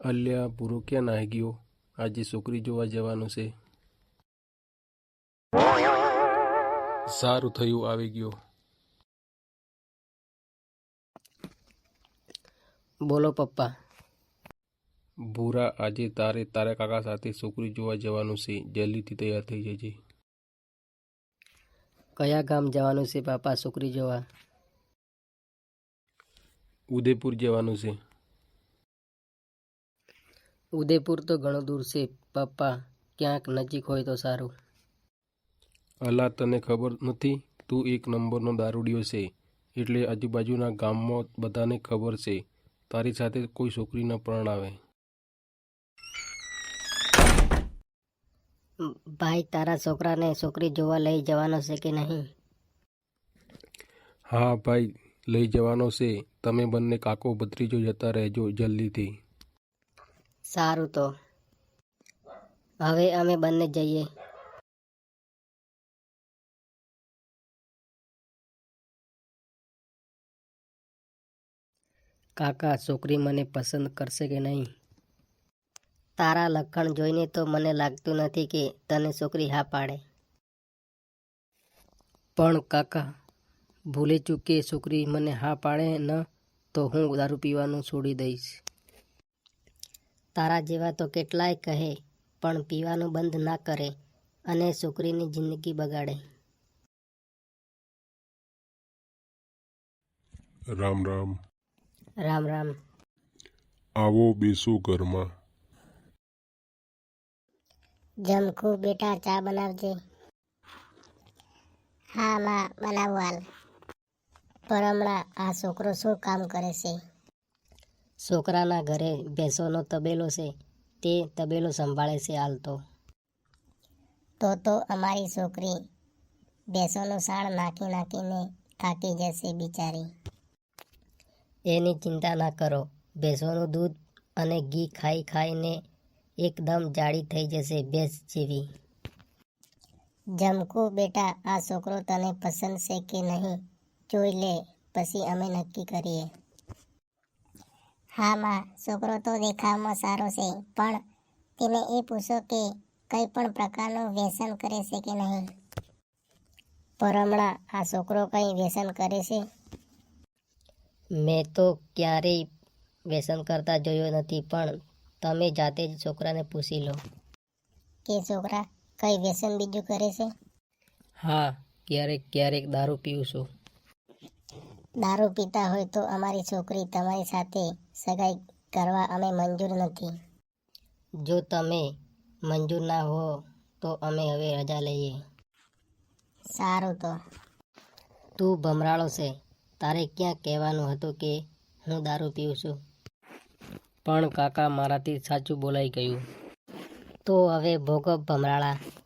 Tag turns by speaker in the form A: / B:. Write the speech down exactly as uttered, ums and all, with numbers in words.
A: અલ્યા પૂરો ક્યાં નાહી ગયો? આજે છોકરી જોવા જવાનું છે. સારું થયું આવી ગયો.
B: બોલો પપ્પા.
A: ભૂરા આજે તારે તારા કાકા સાથે છોકરી જોવા જવાનું છે. જલ્દીથી તૈયાર થઈ જજે.
B: કયા ગામ જવાનું છે પાપા છોકરી જોવા?
A: ઉદયપુર જવાનું છે.
B: ઉદયપુર તો ઘણું દૂર છે પપ્પા, ક્યાંક નજીક હોય તો સારું.
A: અલા તને ખબર નથી? તું એક નંબરનો દારૂડિયો છે એટલે આજુબાજુના ગામમાં બધાને ખબર છે. તારી સાથે કોઈ છોકરી ન પરણાવે.
C: ભાઈ તારા છોકરાને છોકરી જોવા લઈ જવાનો છે કે નહીં?
A: હા ભાઈ લઈ જવાનો છે. તમે બંને કાકો ભત્રીજો જતા રહેજો જલ્દીથી.
C: સારું તો હવે અમે બંને જઈએ.
B: કાકા છોકરી મને પસંદ કરશે કે નહીં?
C: તારા લક્ષણ જોઈને તો મને લાગતું નથી કે તને છોકરી હા પાડે.
B: પણ કાકા ભૂલે ચૂકે છોકરી મને હા પાડે ન તો હું દારૂ પીવાનું છોડી દઈશ.
C: તારા જેવા તો કેટલાય કહે પણ પીવાનું બંધ ના કરે અને છોકરીની જિંદગી બગાડે.
D: રામ રામ.
C: રામ રામ.
D: આવો બેસો ઘરમાં.
E: જમખુ બેટા ચા બનાવજે. હા માં બનાવું હાલ. પર હમણાં આ છોકરો શું કામ કરે છે?
C: છોકરાના ઘરે ભેંસોનો તબેલો છે, તે તબેલો સંભાળે છે હાલ તો. તો તો અમારી છોકરી ભેંસોનું સાળ નાખી નાખીને થાકી જશે બિચારી. એની ચિંતા ના કરો, ભેંસોનું દૂધ અને ઘી ખાઈ ખાઈને એકદમ જાડી થઈ જશે ભેંસ જેવી. જમકુ બેટા આ છોકરો તને પસંદ છે કે નહીં જોઈ લે, પછી અમે નક્કી કરીએ.
E: હા માં છોકરો તો દેખાવમાં સારો છે, પણ તેને એ પૂછો કે કઈ પણ પ્રકારનું વ્યસન કરે છે કે નહીં.
C: પર હમણાં આ છોકરો કંઈ વ્યસન કરે છે? મેં તો ક્યારેય વ્યસન કરતા જોયો નથી, પણ તમે જાતે જ છોકરાને પૂછી લો.
E: કે છોકરા કઈ વ્યસન બીજું કરે છે?
B: હા ક્યારેક ક્યારેક દારૂ પીઉં છું.
E: દારૂ પીતા હોય તો અમારી છોકરી તમારી સાથે સગાઈ કરવા અમે મંજૂર નથી.
C: જો તમે મંજૂર ના હો તો અમે હવે રજા લઈએ.
E: સારું તો.
C: તું ભમરાળો છે, તારે ક્યાં કહેવાનું હતું કે હું દારૂ પીઉં છું?
B: પણ કાકા મારાથી સાચું બોલાઈ ગયું.
C: તો હવે ભોગવ ભમરાળા.